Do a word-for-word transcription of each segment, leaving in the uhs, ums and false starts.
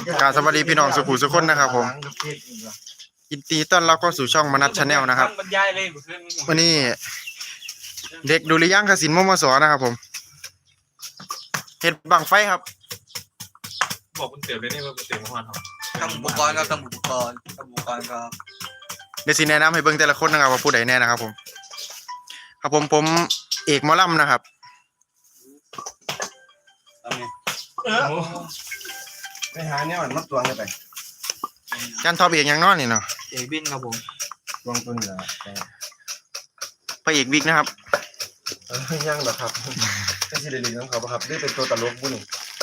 กราบสวัสดีพี่น้องสุขุมสุขคนนะครับผมยินดีต้อนรับเข้าสู่ช่องมนัสชาแนลนะครับวันนี้เด็กดุริยางคศิลป์มมสนะครับผมเห็ดบังไฟครับบอกคุณเตี๋ยวเลยนี่ว่าคุณเตี๋ยวมาทำทำอุปกรณ์ครับทำอุปกรณ์ทำอุปกรณ์ครับเดี๋ยวสิแนะนำให้เบิ่งแต่ละคนนะครับว่าผู้ใดแน่นะครับผมครับผมผมเอกหมอลำนะครับไปหาเนี่ยมันมัดตัวกันไปจันทอบเอกยังนอนนี่เนาะเอกบินครับผมวางตัวนี่แหละพระเอกวิกนะครับยังเหรอครับเป็นซีเรียสของเขาปะครับนี่เป็นตัวตลกบุญ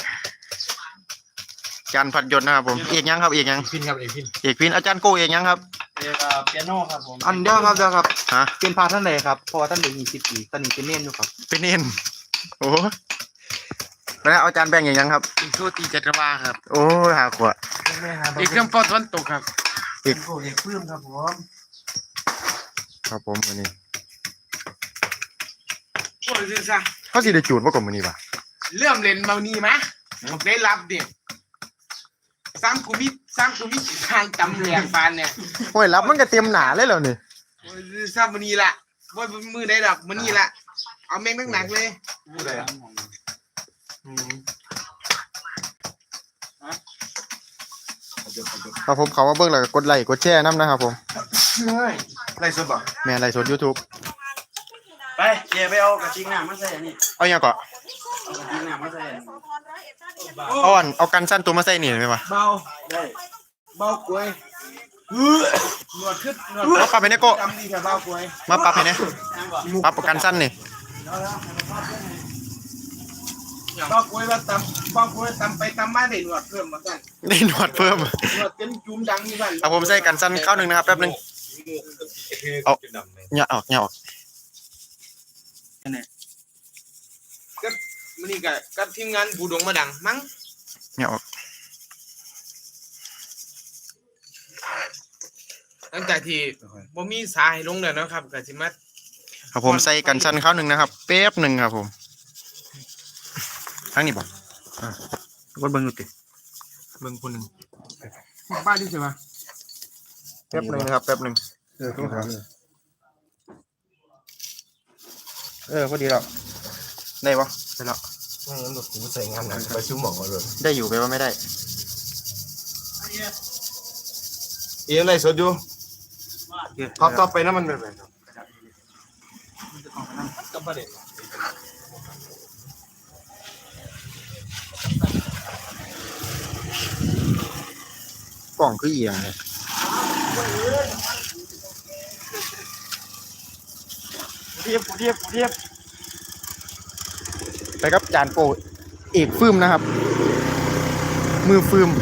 จันพัดยศนะครับผมเอกยังครับเอกยังพินครับเอกพินเอกพินอาจารย์โกเอกยังครับเอกเปียโนครับผมอันเดียวครับเดียวครับฮะเป็นพาท่านใดครับเพราะว่าท่านเด็กยี่สิบปีตอนนี้เป็นเน่นอยู่ครับเป็นเน่นโอ้แล้วอาจารย์แบ่งอย่างยังครับอีกโชตีจักรวาลครับโอ้หาขวดอีกเครื่องปอดวันตกครับอีกเอกพื้นครับผมครับผมวันนี้โอ้ยซะเขาสิได้จูดว่ากลมวันนี้ป่ะเริ่มเล่นมานี่มะได้รับเด็กสามกุมิสามกุมิทางจำแหลกฟานเนี่ยโอ้ยรับมันก็เตรียมหนาเลยแล้วนี่โอ้ยซะวันนี้ละว่ามือได้ดอกวันนี้ละเอาแม่งหนักเลยครับผมเขาว่าเบิ่งแล้วกดไลค์กดแชร์น้ำนะครับผมไล่สดบ่แม่ไลค์สด YouTube ไปเดี๋ยวไปเอากระชิงน้ำมาใส่นี่เอาอย่างก่อนเอากระชิงน้ำมาใส่เอาอันเอากันสั้นตัวมาใส่นี่ไหมวะเบาได้เบากล้วยหนวดขึ้นหนวดมาปรับไปเนี่ยโก้จำดีแค่เบากล้วยมาปรับให้เนี่ยปรับกันสั้นนี่เบากล้วยว่าตำเบากล้วยตำไปตำมาได้หนวดเพิ่มมาสั่นได้หนวดเพิ่มหนวดเป็นจุ่มดังนี่สั่นเอาผมใส่กันสั้นเข้าหนึ่งนะครับแป๊บนึงเอาเนี่ยออกเนี่ยออกก็มันนี่กับกับทีมงานบูดงมาดังมั้งเนี่ยออกหลังจากที่บ่มีสาให้ลงแล้วนะครับกับสิมาครับผมใส่กันสั้นเข้าหนึ่งนะครับแป๊บหนึ่งครับผมทั้งนี้ป่ะอ่ากดเบิ้งดูติเบิ้งคนหนึ่งบ้านที่ใช่ไหมแป๊บหนึ่งนะครับแป๊บหนึ่งเออต้องถามเออพอดีแล้วได้ปะได้แล้วไม่งั้นแบบกูใส่งานหนักไปซื้อหมอเลยได้อยู่ไปว่าไม่ได้เอียงไรสดอยู่ท็อปท็อปไปน้ำมันแบบไหนก็ประเด็นกล่องคือเอียงเลยเทียบเทียบเทียบไปครับจานโปเอกฟืมนะครับมือฟืม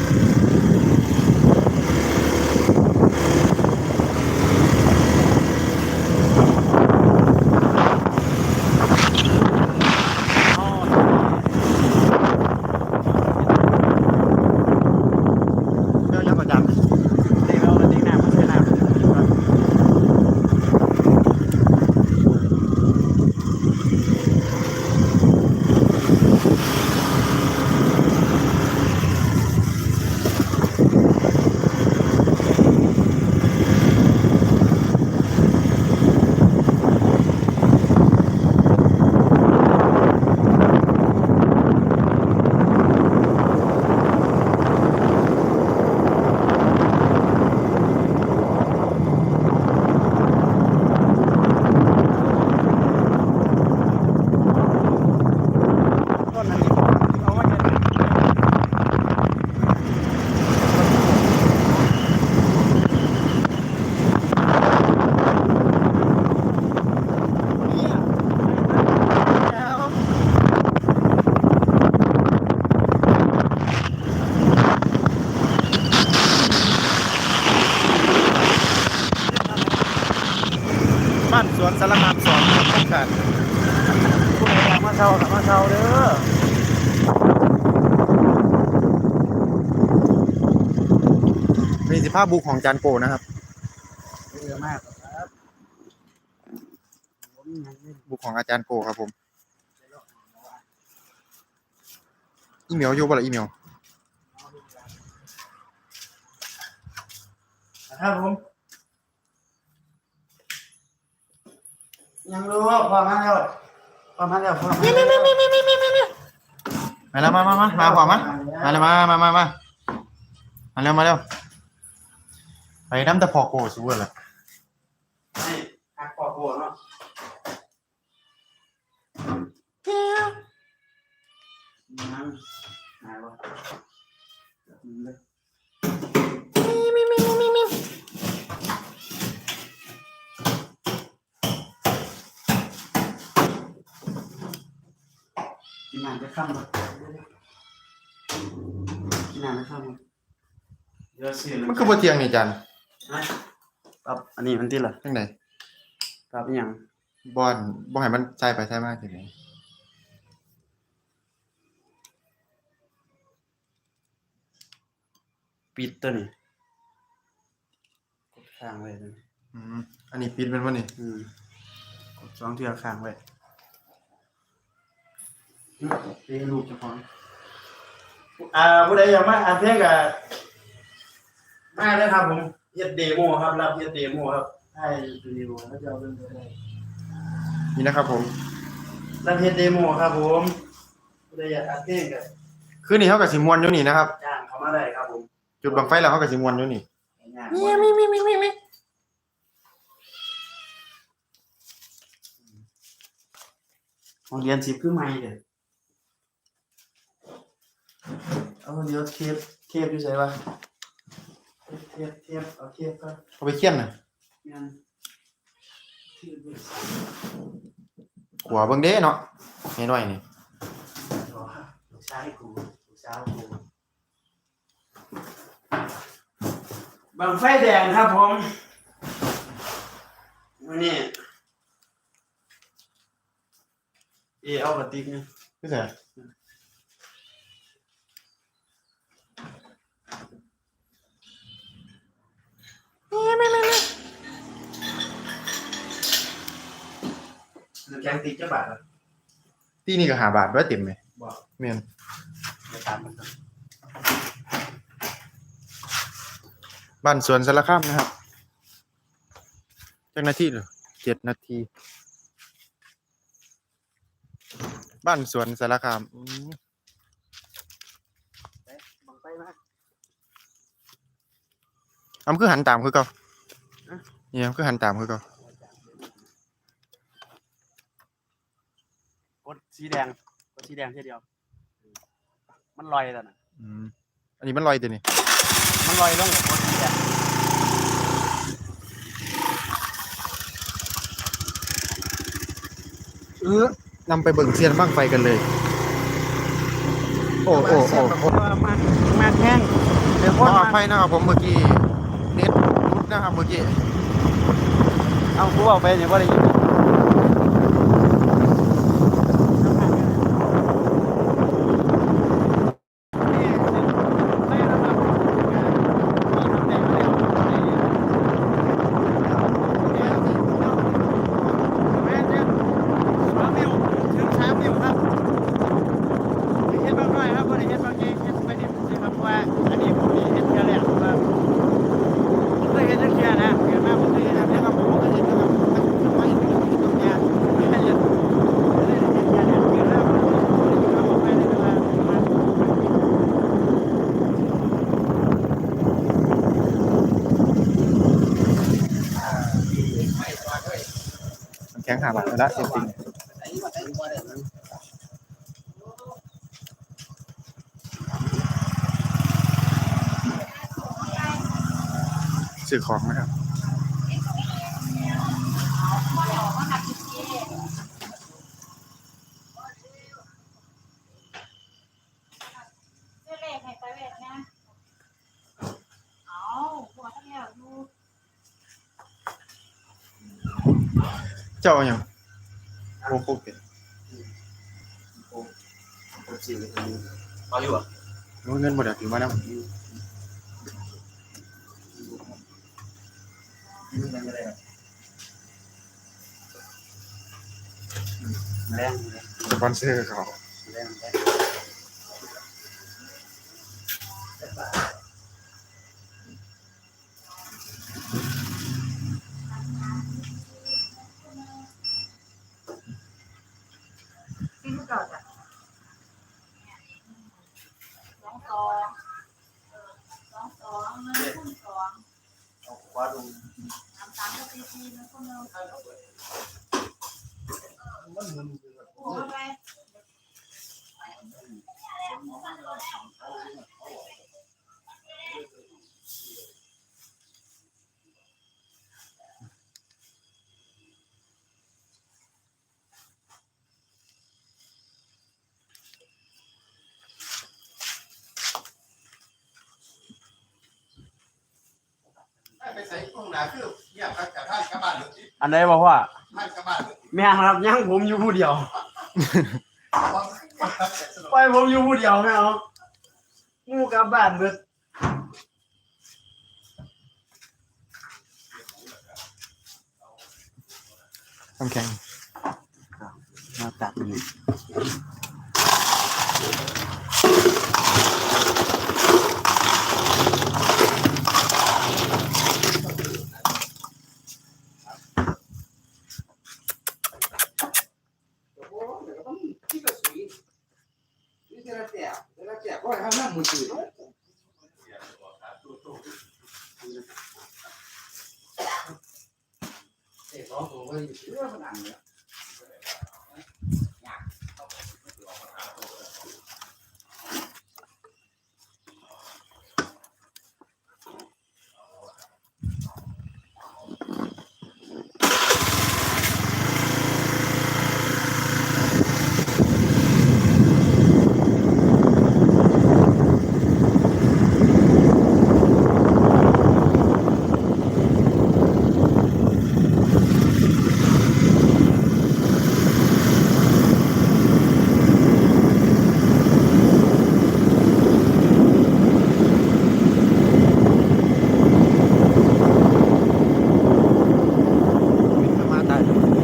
บ้านสวนสารคามสอนต้องการผู้ใดอยากมาเช่ากับมาเช่าเด้อนี่สิภาพบุกของจานโปนะครับเยอะมากครับบุกของอาจารย์โปครับผม อีเมลอยู่บ่ล่ะอีเมลครับผมยังรู้พอมาแล้วพอมาแล้วพอมาแล้วมาแล้วมามามามาขวามามาเลยมามามามามาเร็วมาเร็วไปน้ำตะพอโกสู้เลยให้หักปอกโบเนาะน้ำหายวะกินน้ำจะข้ามบ่กินน้ำจะข้ามบ่เดี๋ยวสิมันคือบ่เที่ยงนี่จันปรับอันนี้มันที่ละจังได๋ปรับอหย่างบ่อนบ่ให้มันใช้ไปใช้มาจังได๋ปิดตัวนี้กดค้างไว้ตัวนี้อืมอันนี้ปิดเป็นบ่นี่อืมกดสองเทื่อค้างไว้เอ้ลูกเจ้าของอ่าผู้ใดอยากมาอ่านเพลงก็มาเลยครับผมเฮ็ดเดโมครับรับเฮ็ดเดโมครับให้ดูดีโมแล้วจะเอาเรื่องไปได้นี่นะครับผมรับเฮ็ดเดโมครับผมผู้ใดอยากอ่านเพลงก็คืนนี้เฮาก็สิม่วนอยู่นี่นะครับจ้างเข้ามาได้ครับผมจุดบังไฟแล้วเฮาก็สิม่วนอยู่นี่มีมีมีมีมีมีห้องเรียนสิบคือใหม่เด้อเอาเดี๋ยวเทปเทปอยู่ไสวะเทปเทปเอาเทปก่อนเอาไปเคี่ยนน่ะแม่นเทปอยู่ไสขัวเบิ่งเด้เนาะน้อยๆนี่อ๋อลูกชายกูลูกสาวกูบังไฟแดงครับผมวันนี้เอเอากระติกเนี่ยคือแต่น้ำแข็งติกจะบาทเหรอที่นี่ก็ห้าบาทบ่เต็มเลยบอกแม่นไปตามมันครับบ้านสวนสารคามนะครับจักนาทีเหรอเจ็ดนาทีบ้านสวนสารคามอืมบังไฟมาอำคือหันตามคือเก่าเนี่ยอำคือหันตามคือเก่ากดสีแดงกดสีแดงทีเดียว มันลอยแล้วนะอืมอันนี้มันลอยตัวนี้มันลอยลงกับกดสีแดงเออนำไปเบิ่งเซียนบ้างไฟกันเลย โอ้โอ้โอ้โอ้มามาแห้งเดี๋ยวขคอน อมาภัยนะครับผมเมื่อกี้เน็ตรุดนะครับเมื่อกี้เอากูเอาไปเนี่ยว่าได้ยินมันแข็งหาบาทแล้วเสียจริงซื้อของนะครับ เจ้าเอาหยังโอ้โหเป็นมาอยู่อ่ะรู้เงินหมดอ่ะถือมาแล้วแรงสปอนเซอร์เขาแรงแรงก่อนอ่ะสองสองสองสองหนึ่งคูณสองเอาคว้าดูสามสามก็ตีสี่หนึ่งคูณหนึ่งมันมึนโอ้ยไปไปใส่ห้องหนาคือเงียบกับท่านกลับบ้านเลยอันไหนบอกว่าท่านกลับบ้านเลยแม่ครับยังผมอยู่ผู้เดียวไปผมอยู่ผู้เดียวไม่เอางูกลับบ้านเบิดน้ำแข็งมาตัดนี่ที่กระสุนนี่จะแจกจะแจกก็ให้ห้ามมือถือเด็กร้องตัวเลยเรื่องมันอันเนี่ยมาตาย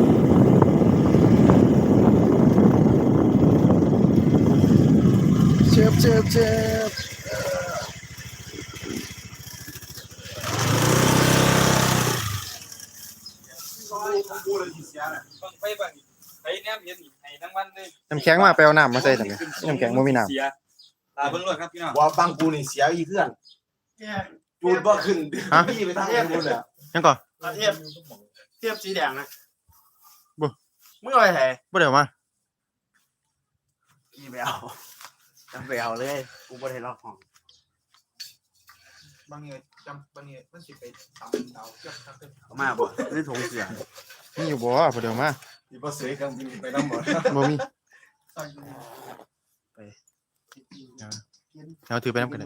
เจ็บเจ็บเจ็บบังไฟบังไปแนมเห็นให้ทั้งวันเลยน้ำแข็งมาไปเอาน้ำมาใส่ทำไมน้ำแข็งบ่มีน้เสียตาเบิ่งรถครับพี่น้องว่าบังกูนี่เสียอีเพื่อนจูดบ่ขึ้นพี่ไปทางนู้นเลยำยังก่อนเทียบเทียบสีแดงนะมึงเอาไปไหนบ่เดี๋ยวมาพี่ไปเอาจำไปเอาเลยกูบ่ได้ล็อกห้องบางเนี่ยจำบางเนี่ยมันสิไปตำดาวเจ้าครับเอามาบ่นี่ถุงเสือมีอยู่บ่บ่เดี๋ยวมาที่บ่เสียกันไปนำบ่บ่มีเอาถือไปน้ำกันเลย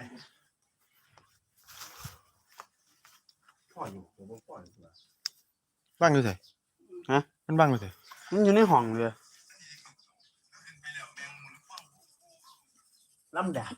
พ่ออยู่ผมพ่ออยู่บ้างดูสิฮะมันบ้างดูสิมันอยู่ในห้องเลยลำดับ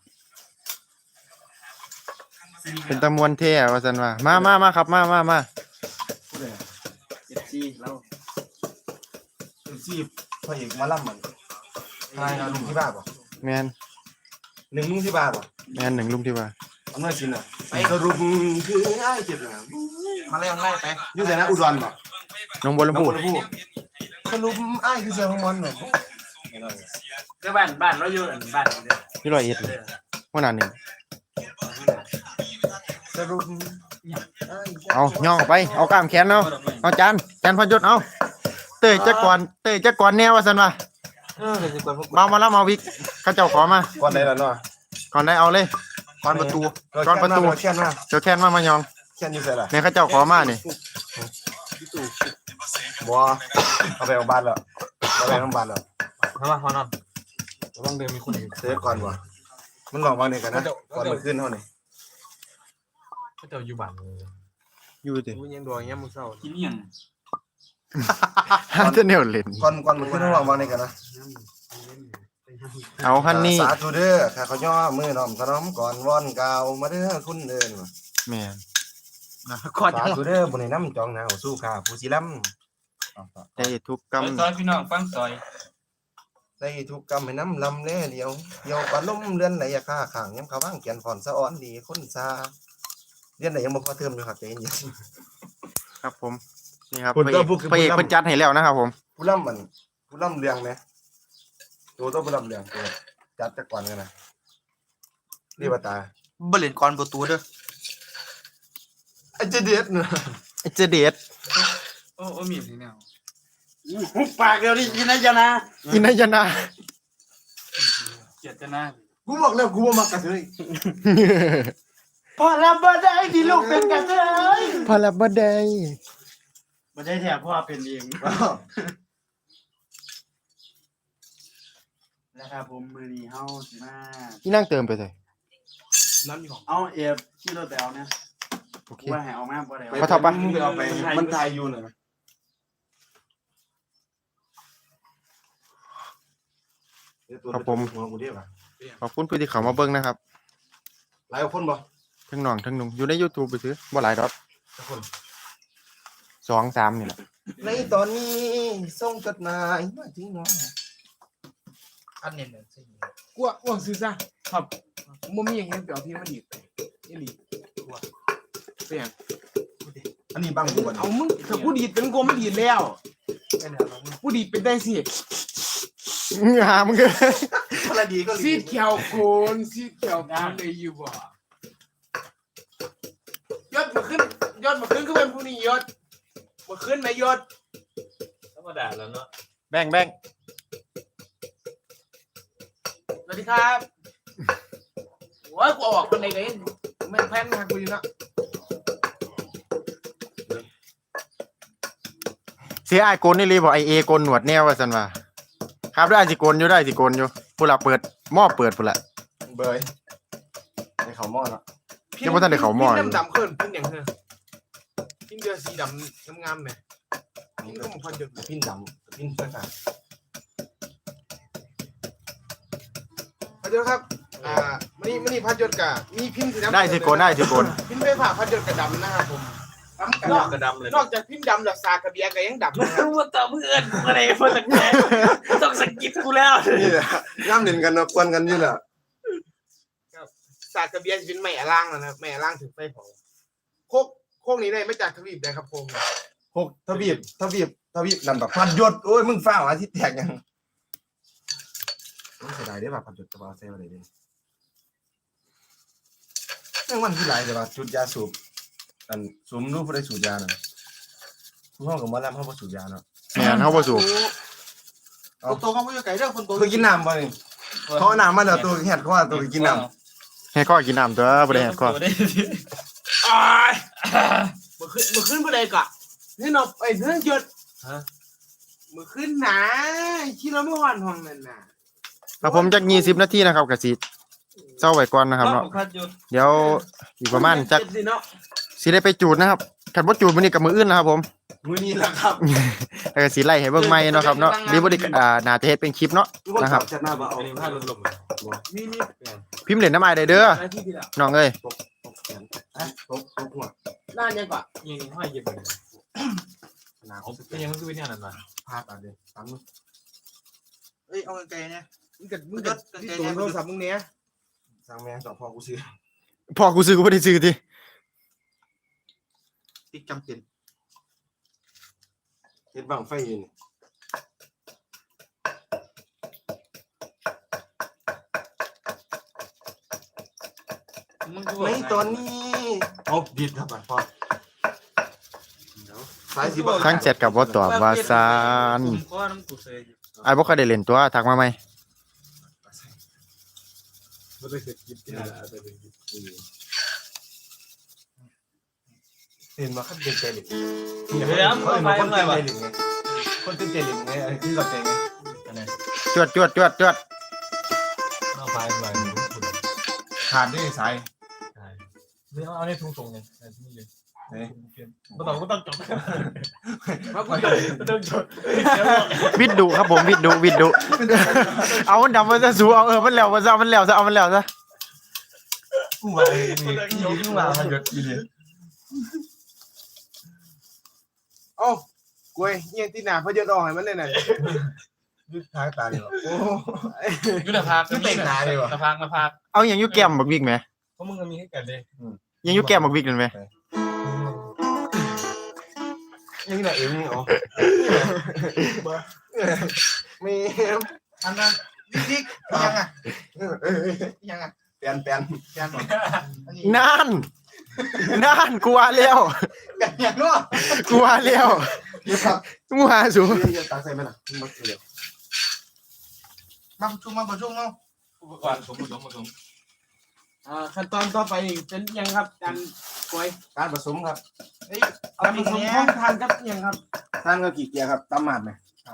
เป็นตะมวนเท่ว่าซั่นว่ามามามาครับมามามาเจ็ดซีแล้วซีบพ่อเอกมาล่ำมันทายลุงที่บ้านบ่แม่นหนึ่งลุงที่บ้านบ่แม่นหนึ่งลุมที่ว่าอำนาจสินน่ะไปสรุปคือง่ายเจ็บนะมาไล่ไล่ไปอยู่แต่นะอุดรบ่น้องบัวลำพูสรุปอ้ายคือเสียของมันเนาะก็บ้านบ้านเราอยู่บ้านเดียวที่ร้อยเอ็ดเลยว่าหนาหนึ่งสรุปเอาย่องออกไปเอากล้ามแขนเอาเอาจานจานพันยศเอาเตยจักก่อนเตยจักก่อนแนวว่าซั่นว่าเออสิก่อนพวกเมามาแล้วมาวิกเขาเจ้าขอมาก่อนไหนล่ะเนาะก่อนได้เอาเลยก่อนประตูก่อนประตูเขียนมาเจ้าแค้นมามายองเขียนอยู่ไสล่ะเนี่ยเขาเจ้าขอมานี่บ่เอาไปเอาบ้านแล้วเอาไปเอาบ้านแล้วมามาพอนอนระวังเดินมีคนอื่นเสียก่อนบ่มันหลอกมานี่กันนะก่อนมันขึ้นเท่านี้เขาจะอยู่บ้านเลยอยู่ดิกูยังดวงยังมึงเศร้ากินยังฮันจะแนวเล่นก่อนก่อนมันขึ้นหลอกมานี่กันนะเอาฮันนี่สาธุเด้อข้าเขาย่อมือน้อมขนมก่อนว่อนกล่าวมาเด้อคุณเอิ้นแม่นก่อนสาธุเด้อบ่ได้นำจองหนาวสู้ข้าผู้สิล้ำได้ทุกกรรมซอยพี่น้องฟังซอยได้ทุกกรรมให้น้ำลำแลเดียวเดียวปลาล้มเรือนไหลยาค่าข้างยำเขาว่างเขียนฟอนสะอ้อนดีคนซาเรียนไหนยังบ่พอเทอมอยู่ครับใจเย็นครับผมนี่ครับคุณพระก็เอกพูดคือพระเอกผู้นำเพิ่นจัดให้แล้วนะครับผมผู้ล่ำมันผู้ล่ำเรืองไหมตัวต้องไปลำเลียงตัวจัดจักก่อนกันนะนี่บาตาบ่เล่นก่อนบ่ตัวเด้อไอ้เจเด็ดเนาะไอ้เจเด็ดโอ้โอ้มีนี่แนวหุบปากเดี๋ยวนี้ยินดีนะอินายนาเกียดจะหน้ากูบอกแล้วกูบ่มักกระเทยพอรับบ่ได้ที่ลูกเป็นกระเทยพอละบ่ได้บ่ได้แถบพ่อเป็นเองนะครับผมมือนี้เฮาสิมานี่นั่งเติมไปเลยน้ำอยู่ของเอาเอฟขี่รถไปเอาเนี่ยโอเคกูว่าให้เอามาบ่ได้เขาทำปะมึงไปเอาไปมันทายอยู่น่ะนะหัวกูเด้ป่ะขอบคุณผู้ที่เข้ามาเบิ่งนะครับหลายคนบ่ทั้งน้องทั้งนุ่งอยู่ใน YouTube ไปซื้อบ่หลายดอกทุกคนสองสามนี่แหละในตอนนี้ส่งจดหมายมาถึงน้องอันเน้นๆสิกลัวอ้วงซื้อซะครับบ่มีอย่างเงี้ยเดี๋ยวพี่มันดีดไปอีหลีกลัวเสียงอันนี้บังกูบ่เอามึงถ้ากูดีดเป็นกูมันดีดแล้วกูดีดเป็นได้สิหามึงเอ้ยคนละดีก็ซีดเขียวโคนซีดเขียวโคนเลยอยู่บ่ยศมาขึ้นยศมาขึ้นก็เป็นผู้นี้ยศมาขึ้นไหมยศธรรมดาแล้วเนาะแบ่งแบ่งสวัสดีครับโอ้ยกูออกคนไหนกันแม่งแพนทางกูอยู่นะเสียไอ้ายโกนนี่เลยบ่ไอเอโกนหนวดแนวว่าซั่นว่าครับได้สิโกนอยู่ได้สิโกนอยู่ผู้ละเปิดหม้อเปิดพุ่นละเบยในเขาหม้อเนาะยังบ่ทันได้เข้าหม้ออยู่พินดำๆขึ้นพินอย่างเธอพินเดือสีดำงามๆเนี่ยพินก็มันพันเดือดพินดำพินสักการพันเดือดครับอ่ามันนี่มันนี่พันเดือดกะมีพินสีดำได้สิโกนได้สิโกนพินไฟฟ้าพันเดือดกระดำนะครับผมนอกกระดำเลยนอกจากพินดำแล้วซากระเบียก็ยังดำนะครับว่าต่อเพื่อนอะไรเพื่อนแกต้องสกิปกูแล้วนี่แหละย่ำเด่นกันเนาะกวนกันนี่แหละซากระเบียจะเป็นไม้อะล่างแล้วนะครับไม้อะล่างถึงไฟเผาโคกโคกนี้ได้ไม่จากทวีปได้ครับผมหกทวีปทวีปทวีปนั่นแบบพันยศโอ้ยมึงฟ้าวอาทิตย์แตกยังไม่เสียดายได้ป่ะพันยศกระเป๋าเซลอะไรดิเรื่องมันที่ไรแต่ว่าจุดยาสูบอันสูมรู้ผู้ใดสูบยาน่ะทุกห้องกับมอลำเขาบ่สูบยาเนาะแม่นเฮาบ่สูบคนโตเขาไม่อยู่ไกลเรื่องคนโตคือกินน้ำบ่นี่เขาเอาน้ำมาแล้วตัวแหดเขาว่าตัวกินน้ให้ข้อกินน้ำตัวบ่ได้ให้ข้ออ้ายมือขึ้นมือขึ้นเมื่อใดกะนี่นบไอ้เรื่องหยุดมือขึ้นนะที่เราไม่หวันห้องนั่นน่ะครับผมจักยี่สิบนาทีนะครับก็สิเซาไว้ก่อนนะครับเนาะเดี๋ยวอีกประมาณจักเจ็ดสิเนาะสิได้ไปจูดนะครับคันบ่จูดมื้อนี้ก็มื้ออื่นนะครับผมำมือนี้แหละครับแล้วก็สิไล่ให้เบิ่งใหม่เนาะครับเนาะหรือบ่ได้อ่าน่าจะเฮ็ดเป็นคลิปเนาะ นะครับจะหน้าบ่เอาอันนี้ผ้าลมๆเลยมีมีพิมพ์เล่นน้ำอ้ายได้เด้อหน้าที่ที่ละน้องเอ้ยตกตกแขนฮะตกตกหัวหน้ายังกะยิงห้อยเย็บเลยหน้าเอาเป็นยังคือเป็นยังนั้นมาพาดอ่ะเด้ตามมือเอ้ยเอาไกลๆนะมึงกัดมึงกัดที่ตัวโทรศัพท์มึงเนี้ยสั่งแมงสองพอกูซื้อพ่อกูซื้อกูบ่ได้ซื้อติติ๊กจำเป็นเฮ็ดบังไฟอยู่นี่ ในตอนนี้เอาดิดครับพ่อสายสิบ่ทั้งแชทก็บ่ตอบว่าซานก็น้ำกูเซยอ้ายบ่เคยได้เล่นตัวทักมาใหม่ไม่ได้เสร็จกินที่ไหนแล้วแต่เป็นเห็นว่าเขาเต้นใจหลิงเดี๋ยวมึงไปเมื่อไหร่วะคนเต้นใจหลิงไงไอ้ที่เราเต้นไงจวดจวดจวดจวดเอาไปเมื่อไหร่ขาดด้วยสายไม่เอาเอาในทุ่งส่งยังนี่เลยเฮ้ยไม่ต้องก็ต้องจบมาพูดจบไม่ต้องจบวิดดุครับผมวิดดุวิดดุเอามันดำมันจะสูเอาเออมันแล้วมันซะมันแล้วซะเอามันแล้วซะกูมาเองนี่กูมาพันยศอีเลยโอ้กล้วยเงี้ยที่หน้าพยศออกให้มันเลยน่ะยึดท้ายตาเลยโอ้ยุทธภาคยุทธภาคยุทธภาคมาภาคเอาอย่างอยู่แก้มบักวิกไหมเพราะมึงก็มีให้กันเลยยังอยู่แก้มบักวิกนั่นไหมยังไงเองนี่อ๋อมีอันนั้นดิ๊กยังอ่ะยังอ่ะเปลี่ยนเปลี่ยนยังนั่นนั่นกูว่าแล้วยังเนาะกูว่าแล้วนี่ครับกูว่าสูเรียนตังใส่ไหมล่ะมาเร็วมาประชุมมาประชุมเนาะอุปกรณ์ผมผสมผสมอ่าขั้นตอนต่อไปเป็นยังครับการกล้วยการผสมครับการผสมพร้อมทานกับยังครับท่านก็กี่เกียร์ครับตำหมาดไหม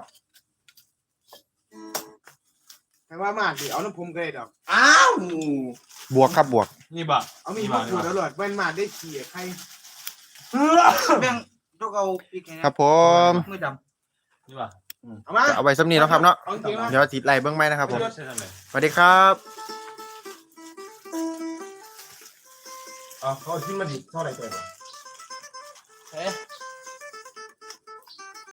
แต่ว่ามาดิเอาน้ำพุมก็ได้ดอกอ้าวบวกครับบวกนี่บ่เอามีมะกรูดอร่อยเป็นมาได้ขี่ใครแบ่งยกเอาปีกให้นะครับผมมือดนี่บ่เอามาจะเอาไว้สำนีแล้วครับเนาะเอาจริงนะเดี๋ยวติดไล่เบื้องไม้นะครับผมใช่ทำไมสวัสดีครับอ๋อเขาที่มาดิเท่าไหร่ตัวเฮ้